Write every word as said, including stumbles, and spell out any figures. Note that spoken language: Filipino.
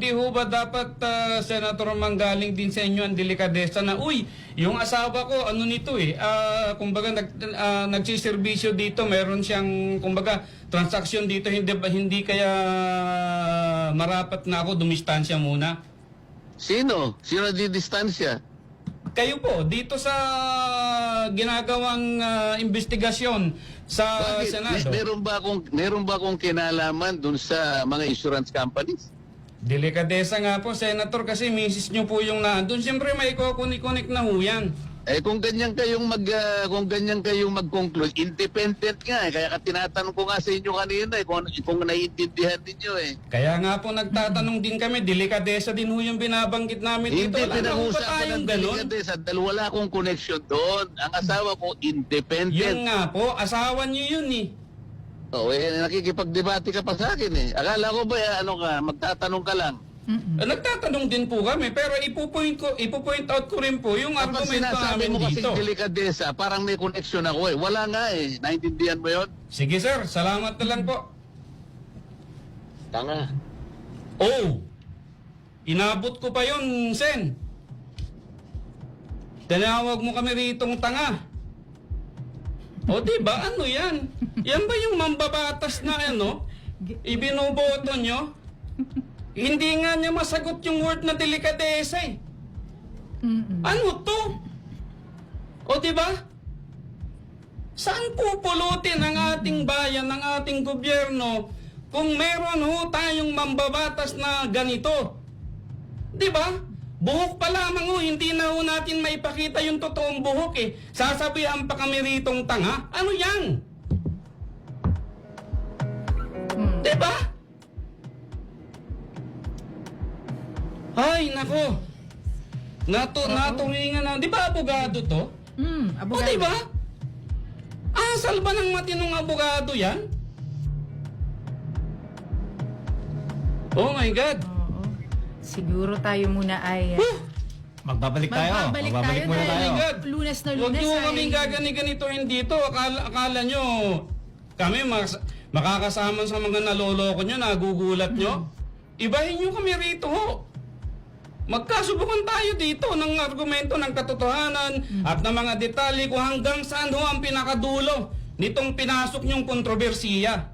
hindi ho ba dapat, uh, Senator, manggaling din sa inyo ang delikadesa na, uy, yung asawa ko, ano nito eh, uh, kumbaga nag, uh, nagsiservisyo dito, meron siyang, kumbaga, transaksyon dito, hindi, hindi kaya marapat na ako dumistansya muna? Sino? Sino di distansya? Kayo po, dito sa ginagawang uh, investigasyon sa Bakit? Senado. Mer- meron ba akong meron ba akong kinalaman dun sa mga insurance companies? Delikadesa nga po, Senator, kasi misis nyo po yung nandun. Siyempre may kukunik-kunik na ho yan. Eh kung ganyan kayong mag uh, kung ganyan kayong mag-conclude, independent nga eh. Kaya ka tinatanong ko nga sa inyo kanina eh kung, kung naiintindihan niyo eh. Kaya nga po nagtatanong din kami, delikadesa din ho yung binabanggit namin dito. Hindi Wala na ho ba pinag-usapan tayong ng ganun? delikadesa dahil wala akong connection doon. Ang asawa ko independent. Yun nga po, asawa nyo yun eh. Oh, eh, nakikipagdebate ka pa sa akin eh. Akala ko ba eh, ano ka, magtatanong ka lang. Mm-mm. Eh, Nagtatanong din po kami, pero ipupoint, ko, ipupoint out ko rin po yung Kapag argumento sinasabi namin mo kasi dito. delikadesa, parang may connection ako eh. Wala nga eh. Naintindihan mo yun? Sige sir, salamat na lang po. Tanga. Oh, inabot ko pa yun, Sen. Tinawag mo kami ritong tanga. O diba, ano yan? Yan ba yung mambabatas na ano? Ibinoboto nyo? Hindi nga niya masagot yung word na delikadesa eh. Mm-mm. Ano to? O diba? Saan pupulutin ang ating bayan, ang ating gobyerno kung meron ho tayong mambabatas na ganito? Diba? Buhok pa lamang ho, hindi na ho natin maipakita yung totoong buhok eh. Sasabihan pa kami ritong tanga? Ano yan? Hmm. Diba? Ay, nako. Nato, naturingan na. Di ba abogado to? Mm, O abogado. di ba? Asal ba ng matinong abogado yan? Oh my God. Oo. Siguro tayo muna ay... Huh! Magbabalik tayo. Magbabalik tayo muna dahil- tayo. Oh my God. Lunes na Huwag lunes nyo ay- kaming gagani-ganitoin dito. Akala, akala nyo, kami mas, makakasama sa mga naloloko nyo, nagugulat nyo. Ibahin nyo kami rito ho. Magkasubukan tayo dito ng argumento ng katotohanan at ng mga detalye kung hanggang saan ho ang pinakadulo nitong pinasok nyong kontrobersiya.